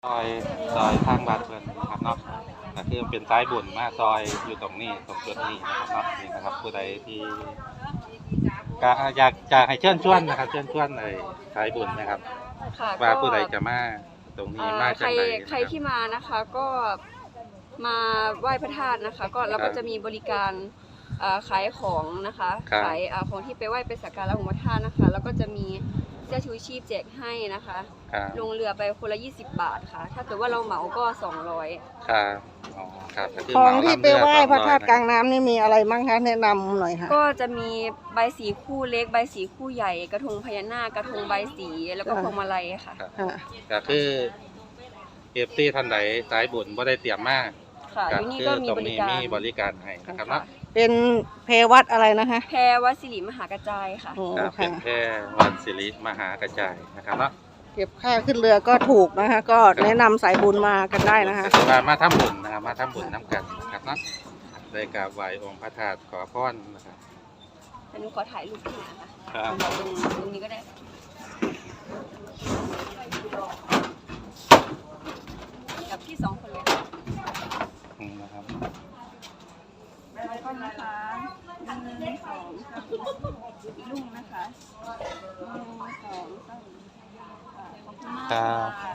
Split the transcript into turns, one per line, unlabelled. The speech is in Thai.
ซอยทางบ้านเพื่อนนะครับเนาะก็คือเป็นสายบุญมาซอยอยู่ตรงนี้ตรงจุดนี้นะครับเนาะนี่นะครับผู้ใดที่ก็อยากจะให้เชิญชวนนะครับเชิญชวนในสายบุญนะครับ
ค่ะ
ว่า
ก็
ผู้ใดจะมาตรงนี้มา
ใค
จาก
ร
ไหน
ใครที่มานะคะก็มาไหว้พระธาตุนะคะก็เราก็จะมีบริการขายของนะคะขายของที่ไปไหว้ไปสักการะองค์พระธาตุนะคะแล้วก็จะมีเสื้อชูชีพแจกให้นะคะลงเรือไปคนละ20 บาทค่ะถ้าเกิดว่าเราเหมาก็200
ครับอ๋อครับก็คื
ของที่ไปไหว้
เห
พ
มา
ระธาตุกลางน้ำนี่มีอะไรบ้างคะแนะนำหน่อยค่ะ
ก็จะมีใบสีคู่เล็กใบสีคู่ใหญ่กระทงพญานาคกระทงใบสีแล้วก็พวงมาลัยค่ะ
ครับ
ค่ะ
ก็คือเอฟซีท่านใดสายบุญบ่ได้เตรียมมาก
ค่ะอยู่นี่ก็มี
ตรง
บริ
นี้
การ
มีบริการให้นะครับเนาะ
เป็นเพวัดอะไรนะคะ
แพรวัดสิริมหากระจายค่ะ
โอ้
ครับเป็
ค่ะ
นแค่วัดสิริมหากระจายนะครับเนาะ
เก็บค่าขึ้นเรือก็ถูกนะคะ ก็แนะนำสายบุญมากันได้นะคะ
ก็คือมาทำบุญนะครับมาทำบุญน้ำกันนะครับเนาะได้กราบไหว้องค์พระธาตุขอพรนะครับ
อันนี้ขอถ่ายรูปที่นะคะ
ครับ
ตรงนี้ก็ได้กับพี่2 คนเลยค่ะ
นะครับ
แล้วก็นะคะ1 2 3อีกลูกนะคะ1 2 3ขอบคุณมาก
ครั
ค่ะ